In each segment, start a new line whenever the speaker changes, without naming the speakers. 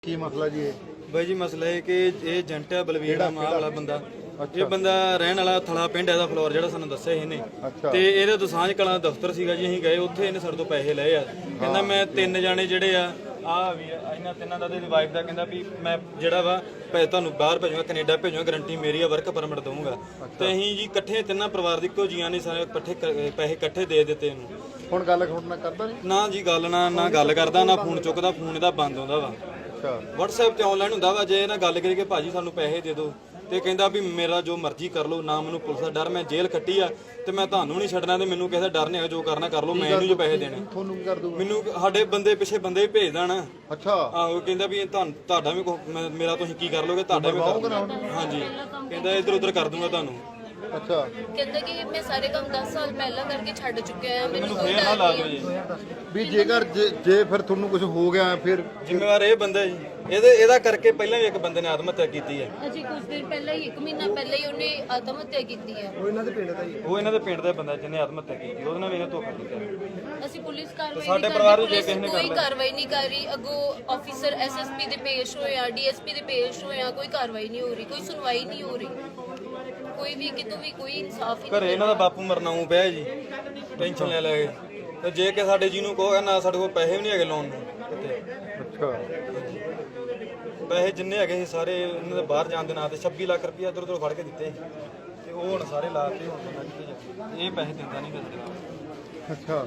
ਕੀ ਮਸਲਾ ਜੀ ਇਹ?
ਬਾਈ ਜੀ ਮਸਲਾ ਇਹ ਕਿ ਇਹ ਏਜੰਟ ਹੈ ਬਲਵੀਰ ਨਾਮ ਵਾਲਾ ਬੰਦਾ। ਇਹ ਬੰਦਾ ਰਹਿਣ ਵਾਲਾ ਥਲਾ ਪਿੰਡ ਇਹਦਾ ਫਲੋਰ ਜਿਹੜਾ ਸਾਨੂੰ ਦੱਸਿਆ ਇਹਨੇ। ਤੇ ਇਹਦੇ ਦਸਾਂਝ ਕਲਾਂ ਦਫ਼ਤਰ ਸੀਗਾ ਜੀ, ਅਸੀਂ ਗਏ ਉੱਥੇ ਇਹਨੇ ਸਾਡੇ ਤੋਂ ਪੈਸੇ ਲਏ ਆ। ਕਹਿੰਦਾ ਮੈਂ 3 ਜਾਣੇ ਜਿਹੜੇ ਆ ਵੀ ਇਹਨਾਂ ਤਿੰਨਾਂ ਦਾ ਤੇ ਵਾਈਫ ਦਾ, ਕਹਿੰਦਾ ਵੀ ਮੈਂ ਜਿਹੜਾ ਵਾ ਤੁਹਾਨੂੰ ਬਾਹਰ ਭੇਜੂਗਾ, ਕੈਨੇਡਾ ਭੇਜੂਗਾ, ਗਰੰਟੀ ਮੇਰੀ ਆ, ਵਰਕ ਪਰਮਿਟ ਦਊਂਗਾ। ਤੇ ਅਸੀਂ ਜੀ ਇਕੱਠੇ ਤਿੰਨਾਂ ਪਰਿਵਾਰ ਦੇ ਇੱਕੋ ਜੀਆਂ ਨੇ ਸਾਰੇ ਇਕੱਠੇ ਪੈਸੇ ਇਕੱਠੇ ਦੇ ਦਿੱਤੇ ਇਹਨੂੰ।
ਹੁਣ ਗੱਲ ਖੋੜਨਾ ਕਰਦਾ ਨਹੀਂ
ਨਾ ਜੀ, ਗੱਲ ਨਾ ਗੱਲ ਕਰਦਾ, ਨਾ ਫੋਨ ਚੁੱਕਦਾ, ਫੋਨ ਇਹਦਾ ਬੰਦ ਆਉਂਦਾ ਵਾ। WhatsApp ਤੇ ਆਨਲਾਈਨ ਹੁੰਦਾ ਵਾ। ਜੇ ਇਹਨਾਂ ਗੱਲ ਕਰੀ ਕਿ ਭਾਜੀ ਸਾਨੂੰ ਪੈਸੇ ਦੇ ਦਿਓ, ਤੇ ਕਹਿੰਦਾ ਵੀ ਮੇਰਾ ਜੋ ਮਰਜ਼ੀ ਕਰ ਲਓ, ਨਾ ਮੈਨੂੰ ਪੁਲਿਸ ਦਾ ਡਰ, ਮੈਂ ਜੇਲ੍ਹ ਕੱਟੀ ਆ ਤੇ ਮੈਂ ਤੁਹਾਨੂੰ ਨਹੀਂ ਛੱਡਣਾ, ਤੇ ਮੈਨੂੰ ਕਿਸੇ ਦਾ ਡਰ ਨਹੀਂ ਹੈਗਾ, ਜੋ ਕਰਨਾ ਕਰ ਲਓ, ਮੈਂ ਇਹਨੂੰ ਜੋ ਪੈਸੇ ਦੇਣੇ।
ਤੁਹਾਨੂੰ ਕੀ ਕਰ ਦੂਗਾ?
ਮੈਨੂੰ ਸਾਡੇ ਬੰਦੇ ਪਿੱਛੇ ਬੰਦੇ ਭੇਜ ਦੇਣਾ।
ਅੱਛਾ।
ਆਹੋ, ਕਹਿੰਦਾ ਵੀ ਤੁਹਾਡਾ ਵੀ ਮੇਰਾ ਤੁਸੀਂ ਕੀ ਕਰ ਲੋਗੇ, ਤੁਹਾਡਾ ਵੀ ਹਾਂਜੀ, ਕਹਿੰਦਾ ਇੱਧਰ ਉੱਧਰ ਕਰ ਦੂੰਗਾ ਤੁਹਾਨੂੰ।
ਅੱਛਾ,
ਕਹਿੰਦਾ ਕਿ ਮੈਂ ਸਾਰੇ ਕੰਮ 10 ਸਾਲ ਪਹਿਲਾਂ ਕਰਕੇ ਛੱਡ ਚੁੱਕਿਆ ਆ, ਮੈਨੂੰ ਕੋਈ
ਫੇਰ ਨਾ ਲਾ ਦਿਓ ਜੀ
ਵੀ ਜੇਕਰ ਜੇ ਫਿਰ ਤੁਹਾਨੂੰ ਕੁਝ ਹੋ ਗਿਆ ਫਿਰ
ਜ਼ਿੰਮੇਵਾਰ ਇਹ ਬੰਦਾ ਜੀ। ਇਹਦਾ ਕਰਕੇ ਪਹਿਲਾਂ ਵੀ ਇੱਕ ਬੰਦੇ ਨੇ ਆਤਮ ਹੱਤਿਆ ਕੀਤੀ ਹੈ।
ਅਜੇ ਕੁਝ ਦਿਨ ਪਹਿਲਾਂ ਹੀ, 1 ਮਹੀਨਾ ਪਹਿਲਾਂ ਹੀ ਉਹਨੇ ਆਤਮ ਹੱਤਿਆ ਕੀਤੀ ਹੈ।
ਉਹ ਇਹਨਾਂ ਦੇ ਪਿੰਡ ਦਾ ਬੰਦਾ ਜਿਹਨੇ ਆਤਮ ਹੱਤਿਆ ਕੀਤੀ, ਉਹਦੇ ਨਾਲ ਵੀ ਇਹਨੇ ਧੋਖਾ ਕੀਤਾ।
ਅਸੀਂ ਪੁਲਿਸ ਕਾਰਵਾਈ
ਸਾਡੇ
ਨਹੀਂ
ਪਰਿਵਾਰ
ਕਰ
ਨੂੰ ਜੇ ਕਿਸੇ
ਰਹੀ,
ਨੇ
ਕੋਈ ਕਾਰਵਾਈ ਨਹੀਂ ਕਰ ਰਹੀ। ਅੱਗੋਂ ਆਫੀਸਰ SSP ਦੇ ਪੇਸ਼ ਹੋਇਆ, DSP ਦੇ ਪੇਸ਼ ਹੋਇਆ, ਕੋਈ ਕਾਰਵਾਈ ਨਹੀਂ ਹੋ ਰਹੀ, ਕੋਈ ਸੁਣਵਾਈ ਨਹੀਂ ਹੋ ਰਹੀ, ਕੋਈ ਵੀ ਕਿਤੋਂ ਵੀ ਕੋਈ ਇਨਸਾਫ ਹੀ
ਘਰੇ ਇਹਨਾਂ ਦਾ ਬਾਪੂ ਮਰਨਾਉ ਪਿਆ ਜੀ, ਟੈਨਸ਼ਨ ਲੈ ਕੇ। ਤੇ ਜੇ ਕਿ ਸਾਡੇ ਜੀ ਨੂੰ ਕਹੋ ਨਾ, ਸਾਡੇ ਕੋਲ ਪੈਸੇ ਵੀ ਨਹੀਂ ਹੈਗੇ ਲੋਨ ਨੂੰ ਕਿਤੇ।
ਅੱਛਾ,
ਪੈਸੇ ਜਿੰਨੇ ਹੈਗੇ ਸੀ ਸਾਰੇ ਇਹਨਾਂ ਦੇ ਬਾਹਰ ਜਾਣ ਦੇ ਨਾਂ ਤੇ 26 ਲੱਖ ਰੁਪਇਆ ਇੱਧਰ ਉੱਧਰ ਫੜ ਕੇ ਦਿੱਤੇ ਤੇ ਉਹ ਹੁਣ ਸਾਰੇ ਲਾ ਕੇ ਹੁਣ ਬੰਦਾ ਕਿੱਥੇ ਜਾਵੇ। ਇਹ ਪੈਸੇ ਦਿੰਦਾ ਨਹੀਂ ਦਿੰਦਾ।
ਅੱਛਾ।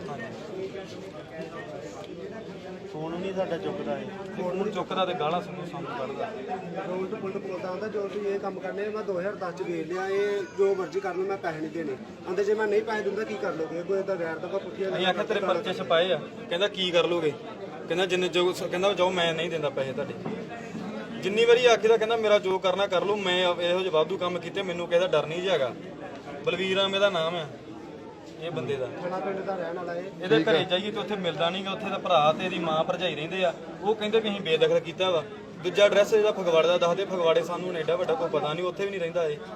ਫੋਨ ਨਹੀਂ ਸਾਡਾ ਚੁੱਕਦਾ ਹੈ, ਫੋਨ ਚੁੱਕਦਾ ਤੇ ਗਾਲਾਂ ਸਾਨੂੰ ਕੱਢਦਾ।
ਉਲਟ ਪੁਲਟ ਬੋਲਦਾ ਹੁੰਦਾ, ਜੋ ਤੁਸੀਂ ਇਹ ਕੰਮ ਕਰਨੇ ਮੈਂ 2010 ਚ ਵੇਚ ਲਿਆ, ਇਹ ਜੋ ਮਰਜ਼ੀ ਕਰ ਲਓ, ਮੈਂ ਪੈਸੇ ਨਹੀਂ ਦੇਣੇ। ਆਂਦੇ ਜੇ ਮੈਂ ਨਹੀਂ ਪੈਸੇ ਦਿੰਦਾ ਕੀ ਕਰ ਲੋਗੇ? ਕੋਈ ਤਾਂ ਗੈਰ ਦਾ ਪੁੱਠੀਆਂ
ਅਸੀਂ ਆਖਿਆ ਤੇਰੇ ਪਰਚੇ ਛਪਾਏ ਆ, ਕਹਿੰਦਾ ਕੀ ਕਰ ਲੋਗੇ? ਕਹਿੰਦਾ ਜਿੰਨੇ ਜੋ ਕਹਿੰਦਾ ਜਾਓ, ਮੈਂ ਨਹੀਂ ਦਿੰਦਾ ਪੈਸੇ ਤੁਹਾਡੇ। ਜਿੰਨੀ ਵਾਰੀ ਆਖੀਦਾ ਕਹਿੰਦਾ ਮੇਰਾ ਜੋ ਕਰਨਾ ਕਰ ਲਓ, ਮੈਂ ਇਹੋ ਜਿਹੇ ਵਾਧੂ ਕੰਮ ਕੀਤੇ, ਮੈਨੂੰ ਕਹਿੰਦਾ ਡਰ ਨਹੀਂ ਹੈਗਾ। ਬਲਵੀਰ ਆ ਮੇਰਾ ਨਾਮ ਆ ਇਹ ਬੰਦੇ ਦਾ।
ਥਣਾ ਪਿੰਡ ਦਾ ਰਹਿਣ ਵਾਲਾ
ਇਹਦੇ ਘਰੇ ਜਾਈਏ ਤੇ ਉੱਥੇ ਮਿਲਦਾ ਨਹੀਂਗਾ। ਉੱਥੇ ਦਾ ਭਰਾ ਤੇ ਇਹਦੀ ਮਾਂ ਭਰਜਾਈ ਰਹਿੰਦੇ ਆ, ਉਹ ਕਹਿੰਦੇ ਵੀ ਅਸੀਂ ਬੇਦਖਲ ਕੀਤਾ ਵਾ। ਦੂਜਾ ਐਡਰੈਸ ਇਹਦਾ ਫਗਵਾੜੇ ਦਾ ਦੱਸਦੇ, ਫਗਵਾੜੇ ਸਾਨੂੰ ਐਡਾ ਵੱਡਾ ਕੋਈ ਪਤਾ ਨਹੀਂ, ਉੱਥੇ ਵੀ ਨਹੀਂ ਰਹਿੰਦਾ ਇਹ।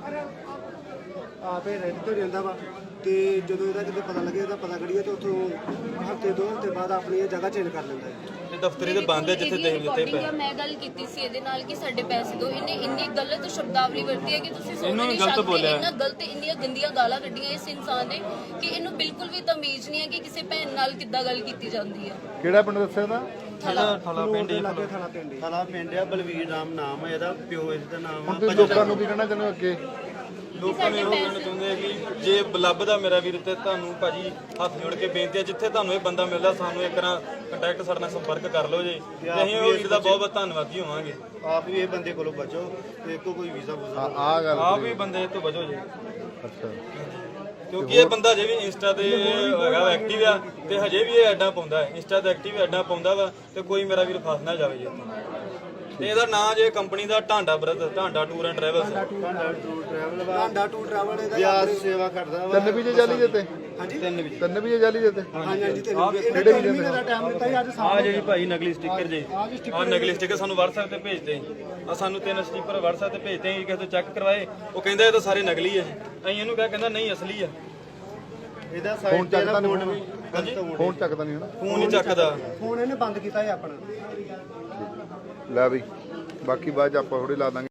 ਆਪੇ ਰਹਿੰਦੇ ਤੋਂ ਰਹਿੰਦਾ ਵਾ। ਤੇ ਜਦੋਂ ਇਹਦਾ ਕਿਤੇ ਪਤਾ ਲੱਗੇ, ਇਹਦਾ ਪਤਾ ਕਰੀਏ ਤੇ ਉੱਥੋਂ ਹਫ਼ਤੇ 2 ਹਫ਼ਤੇ ਬਾਅਦ ਆਪਣੀ ਇਹ ਜਗ੍ਹਾ ਚੇਂਜ ਕਰ ਲੈਂਦਾ ਹੈ।
ਤੇ ਦਫ਼ਤਰੀ ਦੇ ਬੰਦ ਹੈ ਜਿੱਥੇ ਦੇ ਦਿੱਤੇ ਪਏ।
ਮੈਂ ਗੱਲ ਕੀਤੀ ਸੀ ਇਹਦੇ ਨਾਲ ਕਿ ਸਾਡੇ ਪੈਸੇ ਦਿਓ। ਇਹਨੇ ਇੰਨੀ ਗਲਤ ਸ਼ਬਦਾਵਲੀ ਵਰਤੀ ਹੈ ਕਿ ਤੁਸੀਂ ਸੋਚ ਨਹੀਂ ਸਕਦੇ। ਇੰਨਾ ਗਲਤ, ਇੰਨੀਆਂ ਗੰਦੀਆਂ ਗਾਲਾਂ ਕੱਢੀਆਂ ਇਸ ਇਨਸਾਨ ਨੇ ਕਿ ਇਹਨੂੰ ਬਿਲਕੁਲ ਵੀ ਤਮੀਜ਼ ਨਹੀਂ ਹੈ ਕਿ ਕਿਸੇ ਭੈਣ ਨਾਲ ਕਿੱਦਾਂ ਗੱਲ ਕੀਤੀ ਜਾਂਦੀ ਹੈ।
ਕਿਹੜਾ ਪਿੰਡ ਦੱਸਿਆ ਦਾ?
ਥਲਾ ਪਿੰਡ ਹੀ
ਥਣਾ ਪਿੰਡ ਆ, ਬਲਵੀਰ ਨਾਮ ਹੈ ਇਹਦਾ, ਪਿਓ ਇਸ ਦਾ ਨਾਮ
ਹੁਣ ਤੁਸੀਂ ਲੋਕਾਂ ਨੂੰ ਕੀ ਕਹਿਣਾ ਚਾਹੁੰਦੇ ਹੋ ਅੱਗੇ?
ਲੋਕਾਂ ਨੇ ਉਹ ਕਹਿਣਾ ਚਾਹੁੰਦੇ ਆ ਕਿ ਜੇ ਲੱਭਦਾ ਮੇਰਾ ਵੀਰ ਤੇ ਤੁਹਾਨੂੰ ਭਾਜੀ ਹੱਥ ਜੋੜ ਕੇ ਬੇਨਤੀ ਹੈ, ਜਿੱਥੇ ਤੁਹਾਨੂੰ ਇਹ ਬੰਦਾ ਮਿਲਦਾ ਸਾਨੂੰ ਇੱਕ ਨਾ ਕੰਟੈਕਟ ਸਾਡੇ ਨਾਲ ਸੰਪਰਕ ਕਰ ਲਓ ਜੀ, ਤੇ ਅਸੀਂ ਉਹ ਵੀਰ ਦਾ ਬਹੁਤ ਬਹੁਤ ਧੰਨਵਾਦੀ ਹੋਵਾਂਗੇ।
ਆਪ ਵੀ ਇਹ ਬੰਦੇ ਕੋਲੋਂ ਬਚੋ ਤੇ ਕੋਈ ਵੀਜ਼ਾ ਵੂਜ਼ਾ
ਆ ਗੱਲ
ਆਪ ਵੀ ਬੰਦੇ ਤੋਂ ਬਚੋ ਜੀ,
ਅੱਛਾ।
ਕਿਉਂਕਿ ਇਹ ਬੰਦਾ ਜੇ ਵੀ ਇੰਸਟਾ ਤੇ ਹੈਗਾ ਐਕਟਿਵ ਆ, ਤੇ ਹਜੇ ਵੀ ਇਹ ਐਡਾਂ ਪਾਉਂਦਾ ਹੈ, ਇੰਸਟਾ ਤੇ ਐਕਟਿਵ ਐਡਾਂ ਪਾਉਂਦਾ ਵਾ। ਤੇ ਕੋਈ ਮੇਰਾ ਵੀਰ ਫਸ ਨਾ ਜਾਵੇ ਜੀ ਇੱਥੇ। ਤੇ ਇਹਦਾ ਨਾਂ ਜੇ ਕੰਪਨੀ ਦਾ Dhanda brother, Dhanda tour and travels.
Dhanda tour travel ਇਹਦਾ ਵਿਆਜ ਸੇਵਾ ਕਰਦਾ ਵਾ।
ਤਿੰਨ ਵੀਜ਼ੇ ਜਾਲੀ ਦਿੱਤੇ?
ਹਾਂਜੀ,
ਤਿੰਨ ਵੀਜ਼ੇ ਜਾਲੀ ਦਿੱਤੇ?
ਹਾਂਜੀ ਹਾਂਜੀ। ਕਿਹੜੇ ਵੀਜ਼ੇ ਦਾ ਟਾਈਮ ਦਿੱਤਾ ਸੀ ਅੱਜ?
ਆ ਜਿਹੜੀ ਭਾਈ ਨਕਲੀ ਸਟicker ਜੀ, ਆ ਨਕਲੀ ਸਟicker ਸਾਨੂੰ WhatsApp ਤੇ ਭੇਜਦੇ। ਆ ਸਾਨੂੰ 3 ਸਟicker WhatsApp ਤੇ ਭੇਜਦੇ, ਕਿਸੇ ਤੋਂ ਚੈੱਕ ਕਰਵਾਏ, ਉਹ ਕਹਿੰਦਾ ਇਹ ਤਾਂ ਸਾਰੇ ਨਕਲੀ ਆ। ਅਸੀਂ ਇਹਨੂੰ ਕਹਿੰਦਾ ਨਹੀਂ ਅਸਲੀ ਆ।
ਇਹਦਾ
ਫੋਨ
ਸਾਈਡ ਤੇ
ਚੱਕਦਾ
ਫੋਨ
ਨਹੀਂ?
ਵੀ
ਫੋਨ ਚੱਕਦਾ ਨਹੀਂ ਹਨਾ?
ਫੋਨ ਨਹੀਂ ਚੱਕਦਾ।
ਫੋਨ ਇਹਨੇ ਬੰਦ ਕੀਤਾ ਹੈ ਆਪਣਾ।
ਲੈ ਬਈ, ਬਾਕੀ ਬਾਅਦ 'ਚ ਆਪਾਂ ਥੋੜੀ ਲਾ ਦਾਂਗੇ।